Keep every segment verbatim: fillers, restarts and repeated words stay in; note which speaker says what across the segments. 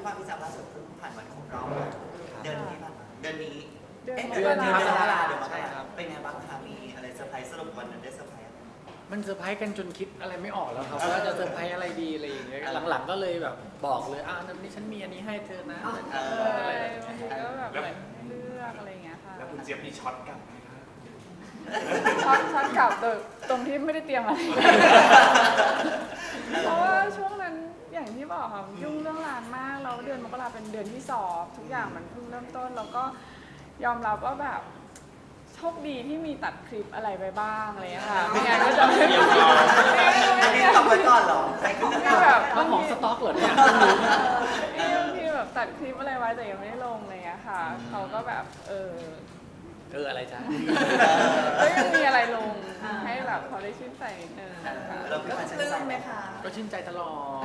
Speaker 1: พี่ว่าพี่จำล่าสุดเพิ่งผ่านวันครบรอบเดือนนี้ผ่านเดือนนี้
Speaker 2: เดือน
Speaker 1: เดือนนี้เดือนมกรา
Speaker 3: ใช่ครับ
Speaker 1: เป็นไงบ้างคะมีอะไรเซอร์ไพรส์สรุปวันนั้นได้เซอร์ไพรส์
Speaker 3: มันเซอร์ไพรส์กันจนคิดอะไรไม่ออกแล้วครับว่าจะเซอร์ไพรส์อะไรดีอะไรอย่างเงี้ยหลังๆก็เลยแบบบอกเลยอ่ะวันนี้ฉันมีอันนี้ให้เธอนะ
Speaker 1: เอ
Speaker 2: อะไร
Speaker 1: อบ
Speaker 2: างทีก็แบบเหมือนเลือกอะไรอย่างเงี้ยค่ะ
Speaker 4: แล้วคุณเจี๊ยบมีช็อตกลับไหมครับ
Speaker 2: ช็อตช็อตกลับโดยตรงที่ไม่ได้เตรียมอะไร เพราะว่าช่วงนั้นอย่างที่บอกค่ะยุ่งเรื่องงานมากแล้วเดือนมกราเป็นเดือนที่สอบทุกอย่างมันเพิ่งเริ่มต้นแล้วก็ยอมรับว่าแบบโชคดีที่มีตัดคลิปอะไรไปบ้างอะไรอย่างเงี้ยค่ะไม่งั้นก็จะไม่
Speaker 1: อันนี้ต้องไว้ก่อนเหรอใครขึ้น
Speaker 2: คือแบบ
Speaker 3: เอาของสต็อกเหรอเนี่ย
Speaker 2: บางทีแบบตัดคลิปอะไรไว้แต่ยังไม่ได้ลงอะไรอย่างเงี้ยค่ะเขาก็แบบเออ
Speaker 3: เอออะไรจ๊ะ
Speaker 2: ก็ยังมีอะไรลงให้แบบเขาได้ชื่นใจนิดนึงค่ะ
Speaker 1: เราพี่ว่าชื่นใจไหมคะ
Speaker 3: ก็ชื่นใจตลอด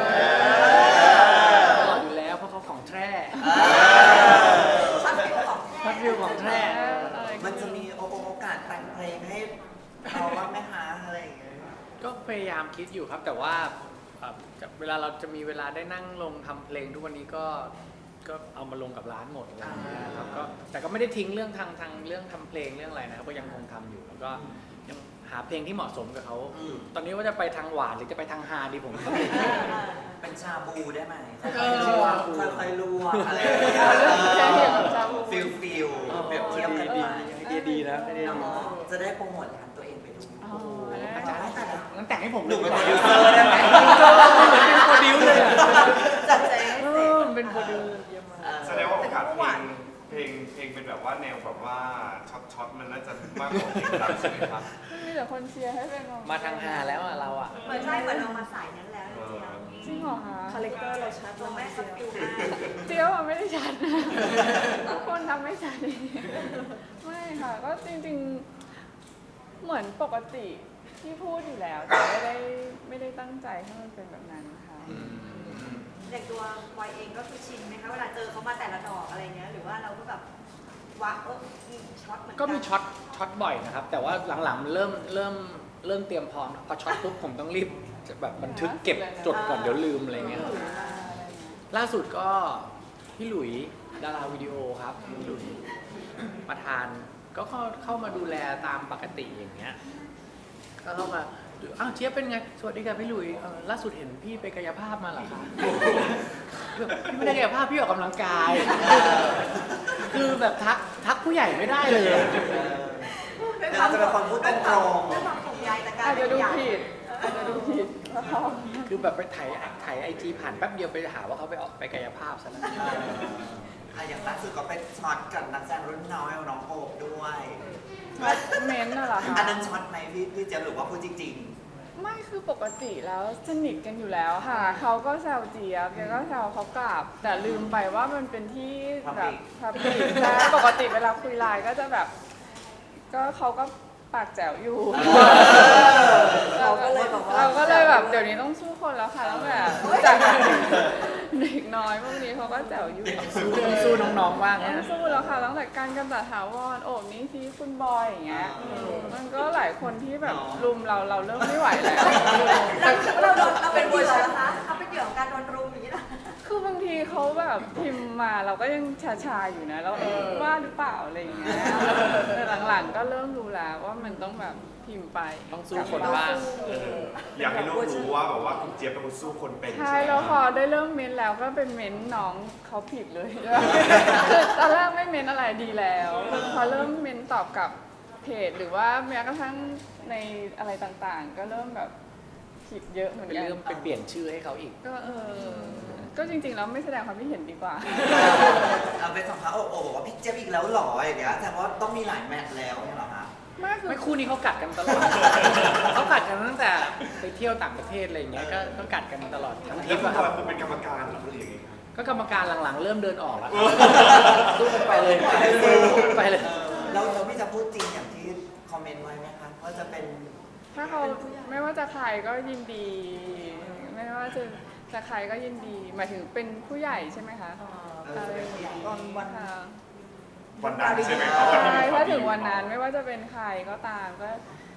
Speaker 3: ตลอดอยู่แล้วเพราะเขาของแท้
Speaker 1: ช็อตฟิลของ
Speaker 3: พัดวิวของแท้
Speaker 1: มันจะมีโอกาสแต่งเพลงให้เราบ้างไหมคะอะไรอย่างเงี้ย
Speaker 3: ก็พยายามคิดอยู่ครับแต่ว่าเอ่อจะเวลาเราจะมีเวลาได้นั่งลงทำเพลงทุกวันนี้ก็ก็เอามาลงกับร้านหมดอะไรอย่างเงี้ยครับก็แต่ก็ไม่ได้ทิ้งเรื่องทางทางเรื่องทำเพลงเรื่องอะไรนะครับก็ยังคงทำอยู่แล้วก็ยังหาเพลงที่เหมาะสมกับเขาอยู่ตอนนี้ว่าจะไปทางหวานหรือจะไปทางฮาดีผมก็ไม่รู้
Speaker 1: เป็นชาบูได้ไหม
Speaker 3: เอ
Speaker 1: ค่อย
Speaker 3: อ
Speaker 1: ๆลวกค่อยๆลวกอะไรอย่างเงี้ย
Speaker 2: เรื่องแค่เห็นชาบู
Speaker 1: ฟิลฟิลเปรียบเทียบกัน
Speaker 3: ดี
Speaker 1: ไป
Speaker 3: ไอเดียดีนะไอเดียดี
Speaker 1: จะได้โปรโมทร้านตัวเองไปดู
Speaker 2: อ๋อได้
Speaker 3: อาจารย์
Speaker 2: ค่ะ
Speaker 3: งั้นแต่งให้ผม
Speaker 1: หนูเป็น
Speaker 3: โป
Speaker 1: โป
Speaker 3: ร
Speaker 1: ร
Speaker 3: ดิ
Speaker 1: ดิ
Speaker 3: ว
Speaker 1: ว
Speaker 3: เซ
Speaker 1: เซ
Speaker 3: อ
Speaker 1: อ
Speaker 3: ร์
Speaker 1: ร์
Speaker 3: ได้
Speaker 1: ได้
Speaker 3: ไห
Speaker 1: ไห
Speaker 3: ม
Speaker 1: ม
Speaker 3: เหมือนเป็นโปรดิวเลยอะ
Speaker 1: จัดใจให้
Speaker 3: เอ
Speaker 1: เสร็
Speaker 3: อ
Speaker 1: จ
Speaker 3: มันเป็นโปรดิวเยี่ยมมาก
Speaker 4: แสดงว่าโอกาสเพลงเพลงเพลงเป็นแบบว่าแนวแบบว่าช็อตช็อตมันน่าจะมากกว่าเพลงรักใช่ไหมครับ
Speaker 2: มีแต่คนเชียร์ให้เป็น
Speaker 3: มาทางฮาแล้วอะเราอะ
Speaker 5: เหมือนใช่เหมือนเรามาสายนั้นแล้วจริง
Speaker 2: จริงเหรอคะ
Speaker 5: คาแรคเตอร์เราชัดเราแม่ชัดฟิวมาก
Speaker 2: เจียวอะไม่ได้ชัดทุกคนทำไม่ชัดไม่ค่ะก็จริงๆเหมือนปกติที่พูดอยู่แล้วแต่ไม่ได้ไม่ได้ตั้งใจให้มันเป็นแบบนั้นค่ะ
Speaker 5: เด็กตัววายเองก็คือชินไหมคะเวลาเจอเขามาแต่ละดอกอะไรเงี้ยหรือว่าเราก็แบบวักเออมีช็อตเหมือนกัน
Speaker 3: ก็มีช็อตช็อตบ่อยนะครับ แต่ว่าหลังๆมันเริ่มเริ่มเริ่มเตรียมพร้อมพอช็อตปุ๊บผมต้องรีบจะแบบบันทึกเก็บจดก่อนเดี๋ยวลืมอะไรเงี้ยล่าสุดก็พี่หลุยดาราวิดีโอครับพี่หลุยประธานก็เข้าเข้ามาดูแลตามปกติอย่างเงี้ยก็เข้ามาอ้าวเจี๊ยบเป็นไงสวัสดีค่ะพี่หลุยเอ่อล่าสุดเห็นพี่ไปกายภาพมาเหรอคะพี่ไม่ได้กายภาพพี่ออกกำลังกาย คือแบบทักทักผู้ใหญ่ไม่ได้เลย
Speaker 5: ด้วยค
Speaker 1: เรา
Speaker 5: วาม
Speaker 1: จะเป็นคนพูดตรง
Speaker 5: ด้วยความห่วงใยแต่การ
Speaker 2: อาจจะดู
Speaker 5: ใหญ่
Speaker 2: ผิดอาจจะดูผิด
Speaker 3: คือแบบไปถ่ายถ่ายไอจีผ่านแป๊บเดียวไปหาว่าเขาไปออกไปกายภาพซะแล้ว
Speaker 1: ๆอ่ะอย่างล่าสุดก็เป็นช็อตกับนักแสดงรุ่นน้อยน้องโอบด้วย
Speaker 2: เม้นท์น่ะเหรอคะ
Speaker 1: อันนั้นช็อตไหมพี่พี่เจะหรือว่าพูดจริง
Speaker 2: ไม่คือปกติแล้วสนิทกันอยู่แล้วค่ะ เขาก็แซวเจี๊ยบเจี๊ยบก็แซวเขากลับ แต่ลืมไปว่ามันเป็นที่แบบพับลิกใช่ปกติเวลาคุยไลน์ก็จะแบบ ก็เขาก็ปากแจ๋วอยู่
Speaker 5: เราก็เลยบอกว่า
Speaker 2: เราก็เลยแบบเดี๋ยวนี้ต้องสู้คนแล้วค่ะแล้วแบบจากเด็กน้อยพวกนี้เขาก็แจ๋วอยู่
Speaker 3: สู้สู้น้องๆว่าง
Speaker 2: ต้อ
Speaker 3: นะ
Speaker 2: งสู้แล้วค่ะตั้งแต่การกำจัดถาวรโอบนี้ซีคุณบอยอย่างเงี้ยมันก็หลายคนที่แบบรุมเราเราเริ่มไม่ไหวแล้ว
Speaker 5: เราเราเราเป็นเหยื่อนะคะเราเป็นเหยื่อของการโดนรุมอย่างนี้นะ
Speaker 2: คือบางทีเขาแบบพิมพ์มาเราก็ยังชาชาๆอยู่นะแล้วเอ๊ะว่าหรือเปล่าอะไรอย่างเงี้ยแต่หลังๆก็เริ่มรู้แล้วว่ามันต้องแบบพิมพ์ไป
Speaker 3: ต้องสู้คนบ้าง
Speaker 4: เอออยากให้ลูกรู้ว่าแบบว่าคุณเจี๊ยบเป็นคนสู้คนเป็น
Speaker 2: ใช่
Speaker 4: ไหม
Speaker 2: แล้วพ
Speaker 4: ค
Speaker 2: อ
Speaker 4: รับ
Speaker 2: ได้เริ่มเม้นแล้วก็เป็นเม้นน้องเขาผิดเลยคือตอนแรกไม่เม้นอะไรดีแล้วพอเริ่มเม้นตอบกับเพจหรือว่าแม้กระทั่งในอะไรต่างๆ ก็เริ่มแบบผิดเยอะเหมือน
Speaker 3: เป็น
Speaker 2: กัน
Speaker 3: เรื่องไปเปลี่ยนชื่อให้เขาอีก
Speaker 2: ก็เออก็จริงๆแล้วไม่แสดงความคิดเห็นดีกว่า
Speaker 1: ๆเอาเป็นสัมภาษณ์โอบโอบบอกว่าพี่เจี๊ยบอีกแล้วเหรออย่างเงี้ยแต่ว่าต้องมีหลายแมตช์แล้วเนี่ยเหรอคะ
Speaker 2: ไม่คือ
Speaker 3: ไม่คู่นี้เขากัดกันตลอด เขากัดกันตั้งแต่ไปเที่ยวต่างประเทศอะไรอย่างเงี้ยก็ก็กัดกันตลอดทั้งทริ
Speaker 4: แล้ว
Speaker 3: ป
Speaker 4: คุณ
Speaker 3: อะครับ
Speaker 4: บอยคุณเป็นกรรมการเหรอหรือยังไงครับ
Speaker 3: ก็กรรมการหลังๆ เริ่มเดินออกแล้วสู้กันไปเลยไปเลย
Speaker 1: เออแล้วแล้วพี่จะพูดจริงอย่างที่คอมเมนต์ไว้ไหมคะว่าจะเป็น
Speaker 2: ถ้าเขาไม่ว่าจะใครก็ยินดี ไม่ว่าจะจะใครก็ยินดี หมายถึงเป็นผู้ใหญ่ใช่ไหมคะอะไรอย่างเงี้ย
Speaker 5: ตอนวัน
Speaker 2: ค่ะ
Speaker 4: วันนั้นใช่ไหมครับวันที่
Speaker 2: ใช่
Speaker 4: มีข่
Speaker 2: ถ้าว ถึ
Speaker 4: ดี
Speaker 2: งวันนั้นไม่ว่าจะเป็นใครก็ตามก็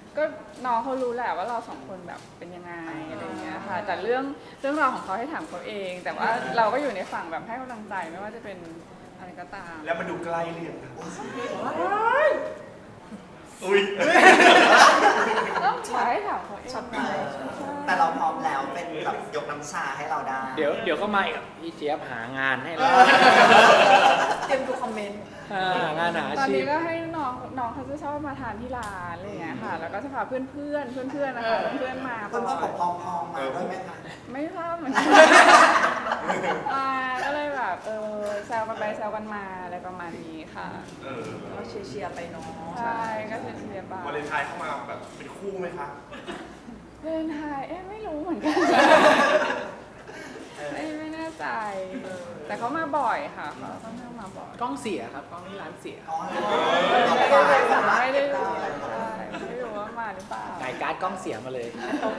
Speaker 2: ก็น้องเขารู้แหละว่าเราสองคนแบบเป็นยังไงอะไรเงี้ยค่ะแต่เรื่องเรื่องราวของเขาให้ถามเขาเอง แต่ว่าเราก็อยู่ในฝั่งแบบให้กำลังใจไม่ว่าจะเป็นอะไรก็ตาม
Speaker 4: แล้วมันดูใกล้เรียนอุ้ย
Speaker 2: ต้องขอให้ถามเขาเอง
Speaker 1: แต่เราพร้อมแล้วเป็นแบบยกน้ำชาให้เราได้
Speaker 3: เดี๋ยวเดี๋ยวก็มาอีกพี่เจี๊ยบหางานให้เรา
Speaker 5: เตรียมดูคอมเมนต์
Speaker 3: อ่างานหาอา
Speaker 2: ตอน
Speaker 3: ชีพ
Speaker 2: นี้ก็ให้น้องน้องเขาจะชอบมาทานที่ร้านอะไรเงี้ยค่ะ แล้วก็จะพาเพื่อนเพื่อนเพื่อนเพื่อนๆนะคะเพื่อนๆมา
Speaker 1: เพื่อนๆผมพร้อมๆมาด้วยไหมคะ
Speaker 2: ไม่ทราบเหมือนกันอ่าก็เลยแบบเออแซวกันไปแซวกันมาอะไรประมาณนี้ค่ะ
Speaker 4: เออ
Speaker 5: เราเชียร์ๆไปเนาะ
Speaker 2: ใช่ก็เชียร์ๆไป
Speaker 4: วาเลนไทน์เข้ามาแบบเป็นคู่ไหมคะ
Speaker 2: เล่นไทยเอ๊ะไม่รู้เหมือนกันไม่ไม่แน่ใจ แต่เขามาบ่อยค่ะเขาค่อนข้างมาบ่อย
Speaker 3: กล้องเสียครับกล้องที่ร้านเสีย
Speaker 1: อ๋อ
Speaker 2: ไม่ได้รู้ใช่ไม่รู้ว่ามาหรือเปล่า
Speaker 3: จ่ายการ์ดกล้องเสียมาเลย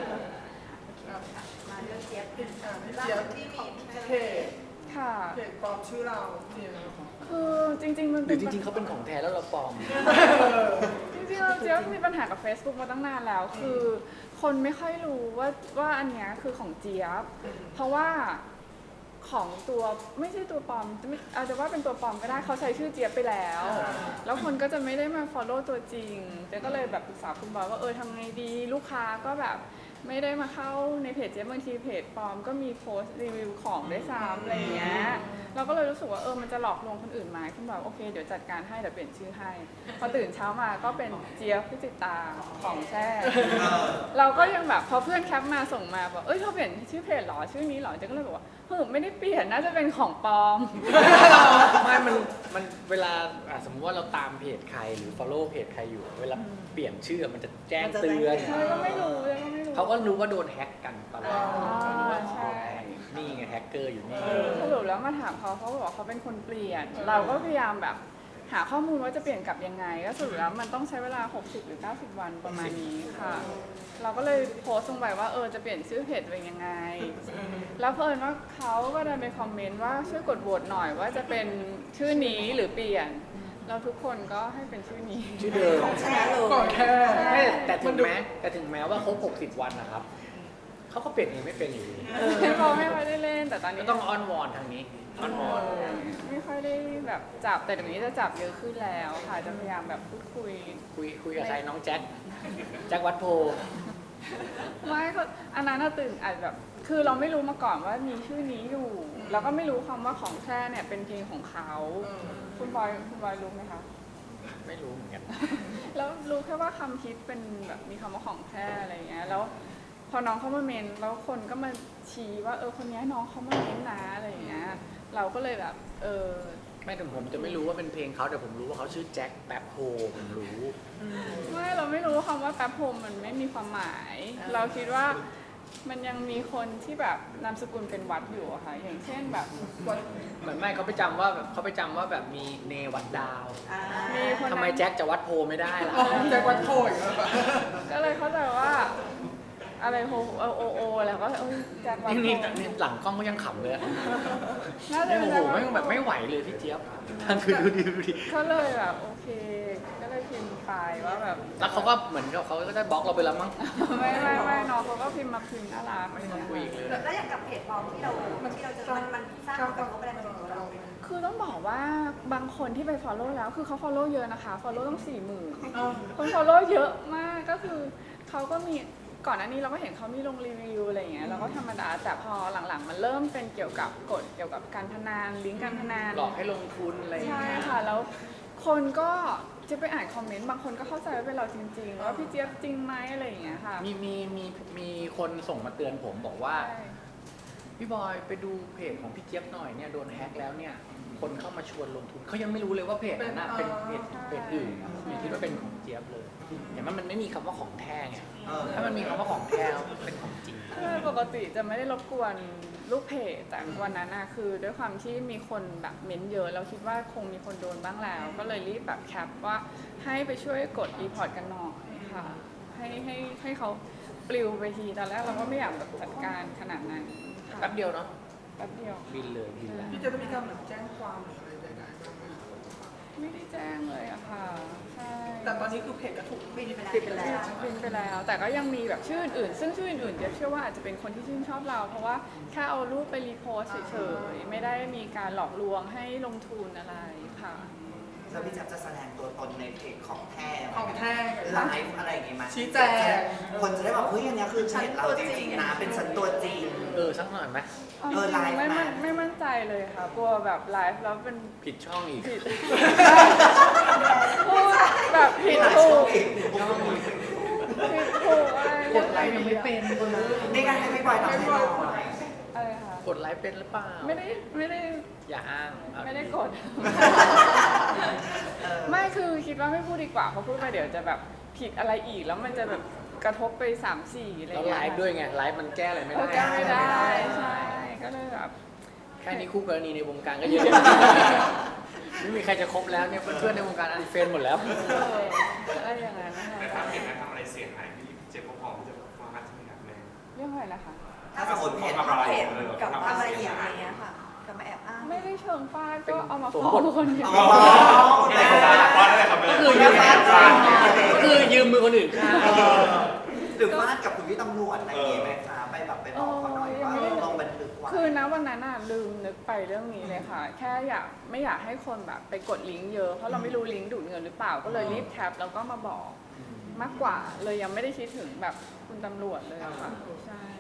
Speaker 5: มาเรื่องเจี๊ยบ
Speaker 6: เจี๊ยบที่มีเพจ
Speaker 2: ค่ะ
Speaker 6: เพจปลอมชื่อเราเนี่ย
Speaker 2: คือจริงๆมัน
Speaker 3: ห
Speaker 2: เป็
Speaker 3: รือน จริงๆเขาเป็นของแท้แล้วเราปลอม
Speaker 2: จริงๆเราเจ๊ยบมีปัญหากับ Facebook มาตั้งนานแล้ว คือคนไม่ค่อยรู้ว่าว่าอันเนี้ยคือของเจี๊ยบ เพราะว่าของตัวไม่ใช่ตัวปลอมจะไม่อาจจะว่าเป็นตัวปลอมก็ได้เขาใช้ชื่อเจี๊ยบไปแล้ว แล้วคนก็จะไม่ได้มา follow ตัวจริงเจ๊ก็เลยแบบปรึกษาคุณบอยว่าเออทำไงดีลูกค้าก็แบบไม่ได้มาเข้าในเพจเจ๊บางทีเพจปลอมก็มีโพสต์รีวิวของด้วยซ้ำอะไรอย่างเงี้ยเราก็เลยรู้สึกว่าเออมันจะหลอกลวงคนอื่นไหมคุณบอยโอเคเดี๋ยวจัดการให้เดี๋ยวเปลี่ยนชื่อให้พอตื่นเช้ามาก็เป็นเจี๊ยบพิจิตาของแท้เราก็ยังแบบพอเพื่อนแคปมาส่งมาบอกเอ้ยเขาเปลี่ยนชื่อเพจเหรอชื่อนี้เหรอเจ๊ก็เลยบอกว่าเฮ้ยไม่ได้เปลี่ยนน่าจะเป็นของปลอม
Speaker 3: ไม่มันมันเวลาอ่ะสมมติว่าเราตามเพจใครหรือ follow เพจใครอยู่ เวลาเปลี่ยนชื่อมันจะแจ้งเตือน
Speaker 2: ใช่ก็ไม่รู้เลยก็ไม่รู้
Speaker 3: เขาก็รู้ว่าโดนแฮ็กกันตอนแรก
Speaker 2: อ๋อ
Speaker 3: เขารู้ว่า
Speaker 2: ใช่
Speaker 3: โดนแฮ็กนี่ไงแฮกเกอร์อยู่นี่
Speaker 2: สรุปแล้วมาถามเขาเขาบอกว่าเขาเป็นคนเปลี่ยน เราก็พยายามแบบหาข้อมูลว่าจะเปลี่ยนกลับยังไง ก็สรุปแล้วมันต้องใช้เวลา หกสิบ หรือ เก้าสิบ วันประมาณนี้ค่ะ เราก็เลยโพสต์ลงไปว่าเออจะเปลี่ยนชื่อเพจตัวเองยังไง แล้วเพิ่นว่าเขาก็เดินไปคอมเมนต์ว่าช่วยกดโหวตหน่อยว่าจะเป็นชื่อนี้หรือเปลี่ยน เราทุกคนก็ให้เป็นชื่อนี้
Speaker 3: ชื่อเดิม
Speaker 5: แชร์เลย
Speaker 6: ก่อนแค่
Speaker 3: ไม่แต่ถึงแม้แต่ถึงแม้ว่าครบหกสิบวันนะครับเขาก็เปลี่ยนเองไม่เป็นอยู่ดี
Speaker 2: เขาไม่ค่อยได้เล่นแต่ตอนนี้
Speaker 3: ก็ต้องอ้อนวอนทางนี้อ้อนวอน
Speaker 2: ไม่ค่อยได้แบบจับแต่เดี๋ยวนี้จะจับเยอะขึ้นแล้วค่ะจะพยายามแบบพูดคุย
Speaker 3: คุยคุยกับใครน้องแจ็คแจ็ควัดโพ
Speaker 2: ไม่เขาอันนั้นน่ะตื่นอาจแบบคือเราไม่รู้มาก่อนว่ามีชื่อนี้อยู่ แล้วก็ไม่รู้คำว่าของแท้เนี่ยเป็นเพลงของเขาคุณบอยคุณบอยรู้ไหมคะ
Speaker 3: ไม่รู้เหมือนกัน
Speaker 2: แล้วรู้แค่ว่าคำฮิตเป็นแบบมีคำว่าของแท้อะไรเงี้ยแล้วพอน้องเขามาเมนแล้วคนก็มาชี้ว่าเออคนนี้น้องเขามาเมนนะอะไรอย่างเงี้ยเราก็เลยแบบเออ
Speaker 3: ไม่ถึงผมจะไม่รู้ว่าเป็นเพลงเขาแต่ผมรู้ว่าเขาชื่อแจ็คแป๊บโฮผมรู้
Speaker 2: ไม่เราไม่รู้คำว่าแป๊บโฮมมันไม่มีความหมาย เราคิดว่ามันยังมีคนที่แบบนามสกุลเป็นวัดอยู่อะค่ะอย่างเช่นแบบ
Speaker 3: เหมือนไม่เขาไปจำว่าแบบเขาไปจำว่าแบบมีเนวัดดาว
Speaker 5: อ่า
Speaker 2: มีคน
Speaker 3: ทำไมแจ็คจะวัดโพไม่ได้ล่ะ
Speaker 6: แจ็ควัดโพอีกแล้วแบบ
Speaker 2: ก็เลยเข้าใจว่าอะไรโฮโอโอโอแล้วก็เอ้ยแจ็ควัด
Speaker 3: นี่
Speaker 2: โฮ
Speaker 3: นี่นี่หลังกล้องก็ยังขำเลยอะ
Speaker 2: น่าจะ
Speaker 3: ไม่
Speaker 2: เป็น
Speaker 3: โอ้โห
Speaker 2: แจ็ควัด
Speaker 3: ไม่แบบไม่ไหวเลยพี่เจี๊ยบคือดูดิดูดิ
Speaker 2: ก็เลยแบบโอเค ก็เลยพิมพ์ไปว่าแบบ
Speaker 3: แล้วเขาก็เหมือนกับเขาก็ได้บล็อกเราไปแล้วมั้ง
Speaker 2: ไม่ไม่ไม่น้องเขาก็พิมพ์มาพิมพ์น่ารักอะไร
Speaker 3: ไม่ต้อ
Speaker 2: เงี้
Speaker 3: งคุยอีก
Speaker 2: ย
Speaker 3: เลย
Speaker 5: แล้วอย่างกับเพจปลอมที่เราที่เราเจอมันมันสร้างผลกระทบอะไรมาถึงตัวเราไหม
Speaker 2: คือต้องบอกว่าบางคนที่ไป follow แล้วคือเขา follow เยอะนะคะ follow ต้องสี่หมื่นคน follow เยอะมากก็คือเขาก็มีก่อนหน้านี้เราก็เห็นเขามีลงรีวิวอะไรอย่างเงี้ยเราก็ธรรมดาแต่พอหลังๆ มันเริ่มเป็นเกี่ยวกับกฎเกี่ยวกับการพนันลิงก์การพนัน
Speaker 3: หลอกให้ลงทุนอะไรอย่าง
Speaker 2: ใช่
Speaker 3: เงี้ย
Speaker 2: ค่ะแล้วคนก็จะไปอ่านคอมเมนต์บางคนก็เข้าใจว่าเป็นเราจริงๆว่าพี่เจี๊ยบจริงไหมอะไรอย่างเงี้ยค่ะ
Speaker 3: มีมีมีมีคนส่งมาเตือนผมบอกว่า
Speaker 2: ใช่
Speaker 3: พี่บอยไปดูเพจของพี่เจี๊ยบหน่อยเนี่ยโดนแฮ็กแล้วเนี่ยคนเข้ามาชวนลงทุนเขายังไม่รู้เลยว่าเพจนั้นน่ะเป็นเพจเพจอื่นอย่าคิดว่าเป็นของเจี๊ยบเลยเห็นไหมมันไม่มีคำว่าของแท้ไง
Speaker 1: เออ
Speaker 3: ถ้ามันมีคำว่าของแท้เป็นของจริง
Speaker 2: ใช่ปกติจะไม่ได้รบกวนลูกเพจแต่วันนั้นนะคือด้วยความที่มีคนแบบเม้นต์เยอะเราคิดว่าคงมีคนโดนบ้างแล้ว ก็เลยรีบแบบแคปว่าให้ไปช่วยกดรีพอร์ตกันหน่อยค่ะ ให้ให้ให้เขาปลิวไปทีตอนแรกเราก็ไม่อยากแบบจัดการขนาดนั้นค่ะ
Speaker 3: แป๊บเดียวเนาะ
Speaker 2: แป๊บเดียว
Speaker 3: บินเลยบินแล้ว
Speaker 6: พี่จะมีการแบบแจ้งความหรืออะไรใดๆบ้างไหม
Speaker 2: ยไม่ได้แจ้งเลยอะค่ะใช่
Speaker 6: แต่ตอนนี้คือเพจก็ถูก
Speaker 5: ปิดไปแล้ว
Speaker 6: ปิดไปแล้ว
Speaker 2: พิมพ์ไปแล้ว แต่ก็ยังมีแบบชื่ออื่นๆซึ่งชื่ออื่นๆเดี๋ยวเชื่อว่าอาจจะเป็นคนที่ชื่นชอบเรา เพราะว่าแค่เอารูปไปรีโพสต์เฉยๆไม่ได้มีการหลอกลวงให้ลงทุนอะไรค่ะ
Speaker 1: แล้วพี่แจ๊บจะแสดงตัวตนในเพจของแท้ไหม
Speaker 6: ของแท้
Speaker 1: ไลฟ์อะไรอย่างงี้ไหม
Speaker 6: ชี้แจง
Speaker 1: คนจะได้แบบเฮ้ยอันเนี้ยคือเพจเราจริงๆนะเป็นฉันตัวจริง
Speaker 3: เออสักหน่อยไหม
Speaker 2: เอาจ
Speaker 1: เออ
Speaker 2: ริง
Speaker 1: ไลฟ์
Speaker 2: ๆไม่
Speaker 1: มา
Speaker 2: มั่นไม่มั่นใจเลยค่ะกลัวแบบไลฟ์แล้วเป็น
Speaker 3: ผิดช่องอีก
Speaker 2: ผิดพูดแบบผิดถูกผิดถูกอะไร
Speaker 6: กดไลค์ยังไม่เป็นคนละ
Speaker 1: นี่การให้ไม่ปล่อยทำให้หน่อย
Speaker 2: อะไรค่ะ
Speaker 3: กดไลค์เป็นหรือเปล่า
Speaker 2: ไม่ได้ไม่ได้
Speaker 3: อย่าอ้างเอา
Speaker 2: ไม่ได้
Speaker 3: ๆ
Speaker 2: กด
Speaker 1: เออ
Speaker 2: ไม่คือคิดว่าไม่พูดดีกว่าเพราะพูดไปเดี๋ยวจะแบบผิดอะไรอีกแล้วมันจะแบบกระทบไปสามสี่อะไร
Speaker 3: แล้ว
Speaker 2: เงี้
Speaker 3: ไล
Speaker 2: ย
Speaker 3: ฟ์ด้วยไง ไลฟ์มันแก้อะไรไม่
Speaker 2: เออ
Speaker 3: ได้
Speaker 2: แก้ไม่ได้ใช่ก็เลยแบบ
Speaker 3: แค่นี้คู่กรณีในวงการก็เยอะ ไม่มีใครจะคบแล้วเนี่ยเพื่อนๆในวงการอันเฟนหมดแล้ว
Speaker 2: เอออะไรอย่างนั้นนะคะ
Speaker 4: แต่ถ้าเห็นนะทำอะไรเสียหายพี่เจฟก็พร้อมที่จะฟาดใช่ไหมครับแม่
Speaker 2: เรื่องอะไรนะคะ
Speaker 1: ถ้าสมมติเพจ
Speaker 4: ถ้า
Speaker 5: เพจ
Speaker 4: เออ
Speaker 5: กับ
Speaker 4: ทำ
Speaker 5: อะไร
Speaker 4: เสี
Speaker 5: อย ย่าง
Speaker 4: หาย
Speaker 5: เงี้ยค่ะกับมาแอบอ้าง
Speaker 2: ไม่ได้เชิงฟาดก็เอามา
Speaker 3: สม
Speaker 2: ฟ้อบ
Speaker 3: ท
Speaker 2: งคนเดียว
Speaker 1: เอามาฟ้อง
Speaker 4: ไม่ได้ฟาดฟาดได้ครับแม่
Speaker 3: ก็คือยืมก็คือยืมมือคนอื่นฆ่า
Speaker 1: เออหรือฟาดกับคุณพี่ตำรวจอะไรอย่างงี้ไหมคะไปแบบไปบอกเขาหน่อยว่าเออลงบันทึกไว้
Speaker 2: คือนะวันนั้นน่ะลืมนึกไปเรื่องนี้เลยค่ะ แค่อยากไม่อยากให้คนแบบไปกดลิงก์เยอะเพราะเราไม่รู้ลิงก์ดูดเงินหรือเปล่าก็เลยรีบแคปแล้วก็มาบอกมากกว่า เลยยังไม่ได้คิดถึงแบบคุณตำรวจเลยอะค่ะใช่